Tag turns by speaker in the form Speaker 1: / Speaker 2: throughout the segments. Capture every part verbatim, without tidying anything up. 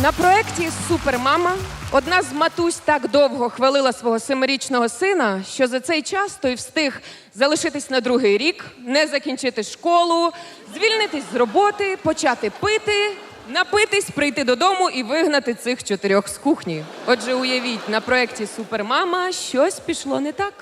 Speaker 1: На проєкті «Супермама» одна з матусь так довго хвалила свого семирічного сина, що за цей час той встиг залишитись на другий рік, не закінчити школу, звільнитись з роботи, почати пити, напитись, прийти додому і вигнати цих чотирьох з кухні. Отже, уявіть, на проєкті «Супермама» щось пішло не так.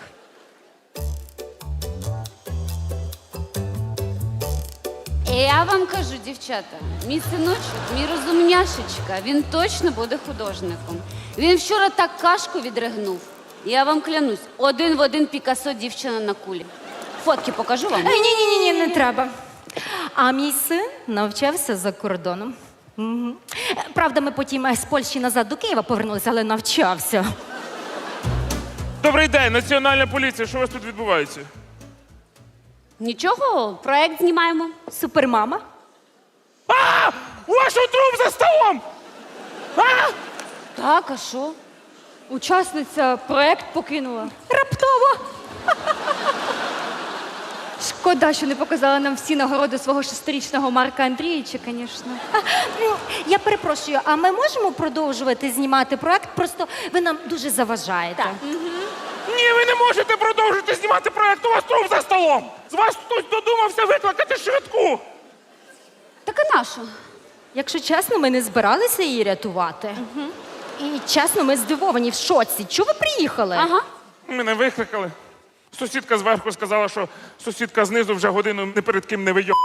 Speaker 2: Я вам кажу, дівчата, мій синочок, мій розумняшечка, він точно буде художником. Він вчора так кашку відригнув. Я вам клянусь, один в один Пікассо дівчина на кулі. Фотки покажу вам?
Speaker 3: Ні-ні-ні, не треба. А мій син навчався за кордоном. Мгм. Правда, ми потім е, з Польщі назад до Києва повернулися, але навчався.
Speaker 4: Добрий день, Національна поліція. Що у вас тут відбувається?
Speaker 2: Нічого, проект знімаємо.
Speaker 3: Супермама?
Speaker 4: А! У вашого труп за столом! А!
Speaker 2: Так, а що?
Speaker 5: Учасниця проект покинула.
Speaker 3: Раптово.
Speaker 5: Шкода, що не показала нам всі нагороди свого шестирічного Марка Андрійовича, звісно.
Speaker 3: А, ну, я перепрошую, а ми можемо продовжувати знімати проект? Просто ви нам дуже заважаєте.
Speaker 2: Так.
Speaker 4: Ні, ви не можете продовжити знімати проєкт, у вас труп за столом! З вас хтось додумався викликати швидку!
Speaker 2: Так а нащо?
Speaker 3: Якщо чесно, ми не збиралися її рятувати. І чесно, ми здивовані в шоці. Чого ви приїхали?
Speaker 2: Ага.
Speaker 4: Мене викликали. Сусідка зверху сказала, що сусідка знизу вже годину ні перед ким не вийо.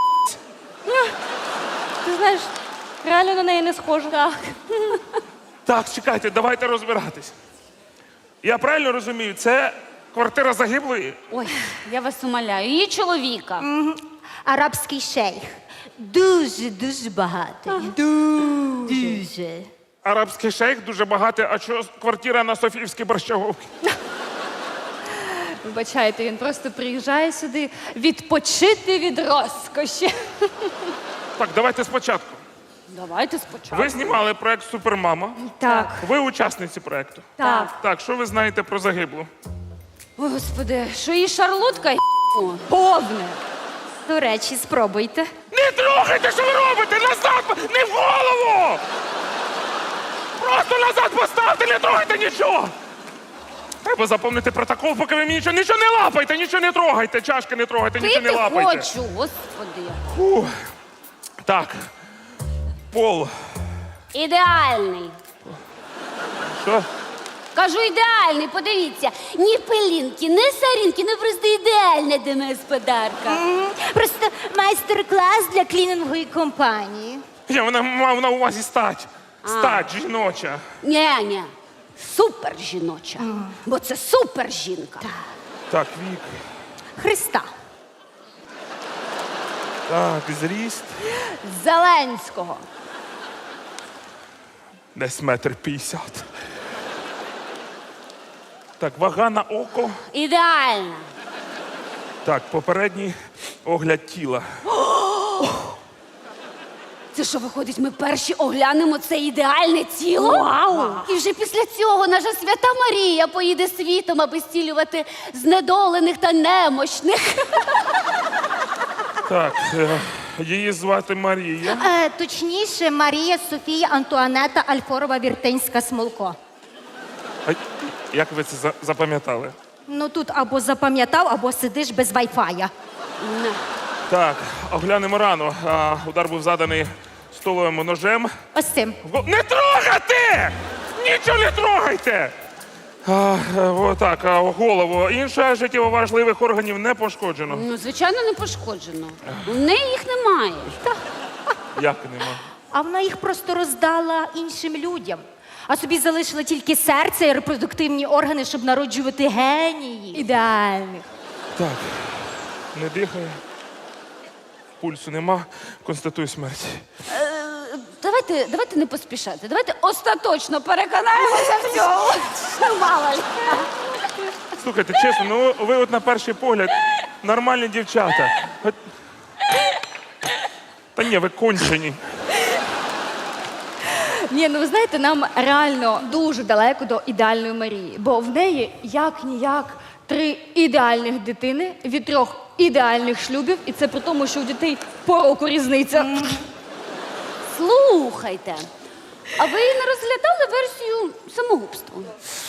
Speaker 5: Ти знаєш, реально на неї не схоже. Так.
Speaker 4: Так, чекайте, давайте розбиратись. Я правильно розумію, це квартира загиблої?
Speaker 2: Ой, я вас умоляю, її чоловіка.
Speaker 3: Арабський шейх. Дуже-дуже багатий. Дуже.
Speaker 4: Арабський шейх дуже багатий, а що квартира на Софіївській Борщаговці?
Speaker 5: Вибачайте, він просто приїжджає сюди відпочити від розкоші.
Speaker 4: Так, давайте спочатку.
Speaker 2: Давайте спочатку.
Speaker 4: Ви знімали проєкт «Супермама».
Speaker 5: Так.
Speaker 4: Ви учасниці проєкту.
Speaker 5: Так.
Speaker 4: Так, що ви знаєте про загиблу?
Speaker 2: Ой, господи, що її шарлотка й***?
Speaker 5: Повне.
Speaker 3: До речі, спробуйте.
Speaker 4: Не трогайте, що ви робите! Назад! Не в голову! Просто назад поставте, не трогайте нічого! Треба заповнити протокол, поки ви мені нічого, нічого не лапайте, нічого не трогайте, чашки не трогайте, нічого не
Speaker 2: Пити
Speaker 4: лапайте.
Speaker 2: хочу, господи.
Speaker 4: Фух. Так, пол.
Speaker 2: Ідеальний.
Speaker 4: Що?
Speaker 2: Кажу, ідеальний, подивіться. Ні пилінки, ні сорінки, не просто ідеальна для мене господарка.
Speaker 3: М, Просто майстер-клас для клінінгової компанії.
Speaker 4: Я вона мав на увазі стать. Стать жіноча.
Speaker 2: Ні, ні, супер жіноча. Бо це супер жінка.
Speaker 4: Так, вік.
Speaker 3: Христа.
Speaker 4: Так, зріст.
Speaker 2: Зеленського.
Speaker 4: Десь метр п'ятдесят. Так, вага на око.
Speaker 2: Ідеальна.
Speaker 4: Так, попередній огляд тіла.
Speaker 2: Це що, виходить, ми перші оглянемо це ідеальне тіло? Вау! І вже після цього наша свята Марія поїде світом, аби зцілювати знедолених та немощних.
Speaker 4: Так, е, її звати Марія.
Speaker 3: Е, точніше, Марія Софія Антуанета Альфорова Віртинська Смолко.
Speaker 4: А як ви це за- запам'ятали?
Speaker 3: Ну тут або запам'ятав, або сидиш без вайфая.
Speaker 4: Так, оглянемо рану. А, удар був заданий столовим ножем.
Speaker 3: Ось цим.
Speaker 4: В гол- Не трогати! Нічого не трогайте! А, е, отак, а, голову. Інше життєво важливих органів не пошкоджено.
Speaker 2: Ну, звичайно, не пошкоджено. У неї їх немає.
Speaker 4: Як нема?
Speaker 3: А вона їх просто роздала іншим людям. А собі залишила тільки серце і репродуктивні органи, щоб народжувати генії.
Speaker 5: Ідеальний.
Speaker 4: Так, не дихає. Пульсу нема. Констатую смерть.
Speaker 2: Давайте, давайте не поспішати. Давайте остаточно переконаємося в цьому. Що мало ли.
Speaker 4: Слухайте, чесно, ну ви от на перший погляд нормальні дівчата. От- Та ні, ви кончені.
Speaker 5: Ні, ну ви знаєте, нам реально дуже далеко до ідеальної Марії, бо в неї як-ніяк три ідеальних дитини від трьох ідеальних шлюбів, і це при тому, що у дітей по року різниця.
Speaker 2: Слухайте, А ви не розглядали версію самогубства?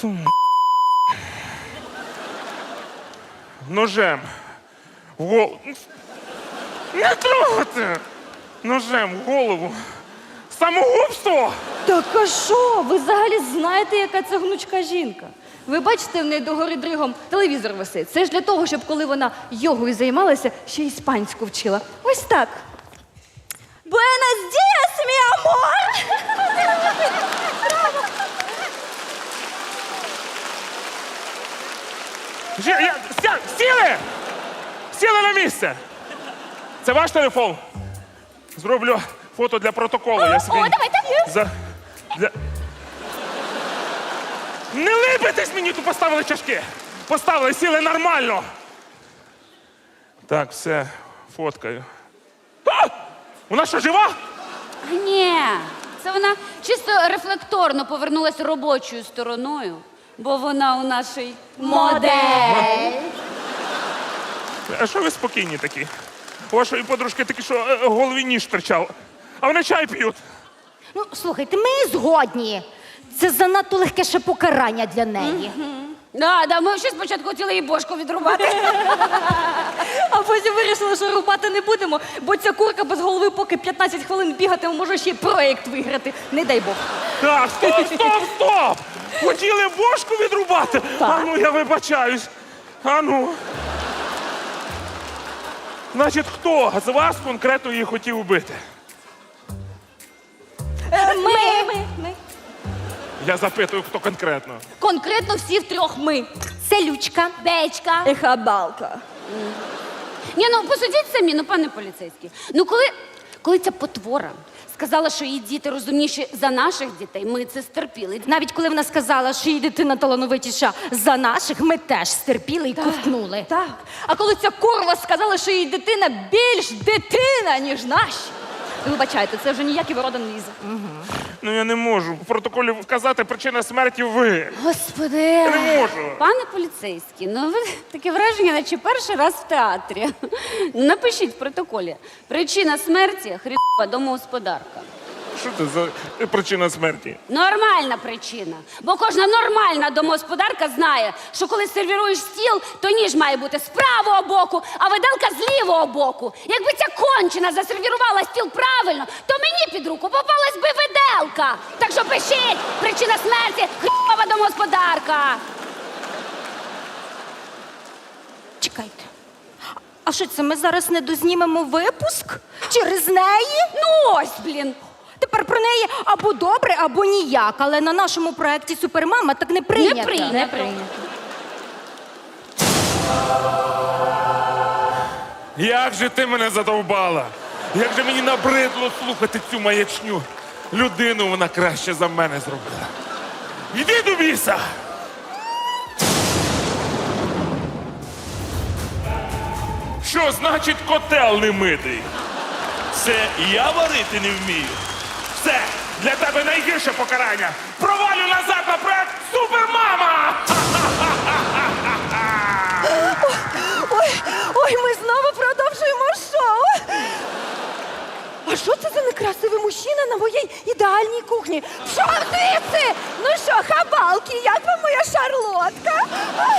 Speaker 4: Ножем. В голову. Не трогати! Ножем в голову. Самогубство!
Speaker 5: Так а що? Ви взагалі знаєте, яка це гнучка жінка? Ви бачите, в неї догори дригом телевізор висить. Це ж для того, щоб коли вона йогою займалася, ще іспанську вчила. Ось так. Буенос діас, мій амор!
Speaker 4: Жі- я- ся- Сіли! Сіли на місце! Це ваш телефон? Зроблю фото для протоколу. Я собі...
Speaker 5: О, давайте.
Speaker 4: За... Для... Не липитесь мені, тут поставили чашки. Поставили, сіли нормально. Так, все, фоткаю. А! Вона що, жива?
Speaker 2: Ні, це вона чисто рефлекторно повернулася робочою стороною, бо вона у нашій модель.
Speaker 4: А що ви спокійні такі? У вашої подружки такі, що е, в голові ніж торчав. А вони чай п'ють.
Speaker 3: Ну, слухайте, ми згодні. Це занадто легке ще покарання для неї.
Speaker 2: Да, да, ми ще спочатку хотіли їй бошку відрубати.
Speaker 5: А потім вирішили, що рубати не будемо, бо ця курка без голови поки п'ятнадцять хвилин бігатиме, може ще й проєкт виграти. Не дай Бог.
Speaker 4: Так, стоп, стоп, стоп! Хотіли бошку відрубати? А ну, я вибачаюсь. А ну. Значить, хто з вас конкретно її хотів вбити?
Speaker 5: Ми, ми, ми.
Speaker 4: Я запитую, хто конкретно.
Speaker 5: Конкретно всі втрьох ми.
Speaker 3: Селючка.
Speaker 2: Бечка.
Speaker 5: І хабалка.
Speaker 2: Ні, ну посудіть самі, ну пане поліцейський. Ну коли, коли ця потвора сказала, що її діти розумніші за наших дітей, ми це стерпіли.
Speaker 3: Навіть коли вона сказала, що її дитина талановитіша за наших, ми теж стерпіли і ковтнули.
Speaker 5: Так. А коли ця курва сказала, що її дитина більш дитина, ніж наші. Ви вибачайте, це вже ніякий ворода не лізе.
Speaker 4: Ну я не можу в протоколі вказати причина смерті ви.
Speaker 2: Господи.
Speaker 4: Я не можу.
Speaker 2: Пане поліцейський, ну ви таке враження, наче перший раз в театрі. Напишіть в протоколі. Причина смерті – хрінова домогосподарка.
Speaker 4: Що це за причина смерті?
Speaker 2: Нормальна причина. Бо кожна нормальна домогосподарка знає, що коли сервіруєш стіл, то ніж має бути з правого боку, а виделка з лівого боку. Якби ця кончена засервірувала стіл правильно, то мені під руку попалась би виделка. Так що пишіть, причина смерті – хрінова домогосподарка.
Speaker 3: Чекайте. А що це, ми зараз не дознімемо випуск? Через неї?
Speaker 2: Ну ось, блін.
Speaker 3: Тепер про неї або добре, або ніяк. Але на нашому проєкті «Супермама» так не прийнято.
Speaker 2: Не прийнято.
Speaker 5: Не прийнято.
Speaker 4: Як же ти мене задовбала? Як же мені набридло слухати цю маячню? Людину вона краще за мене зробила. Йди до біса! Що значить котел не митий?
Speaker 6: Це я варити не вмію.
Speaker 4: Все, для тебе найгірше покарання. Провалю назад на проект Супермама!
Speaker 5: Ой, ой, ми знову продовжуємо шоу. А що це за некрасивий мужчина на моїй ідеальній кухні? Що звідси? Ну що, хабалки, як вам моя шарлотка?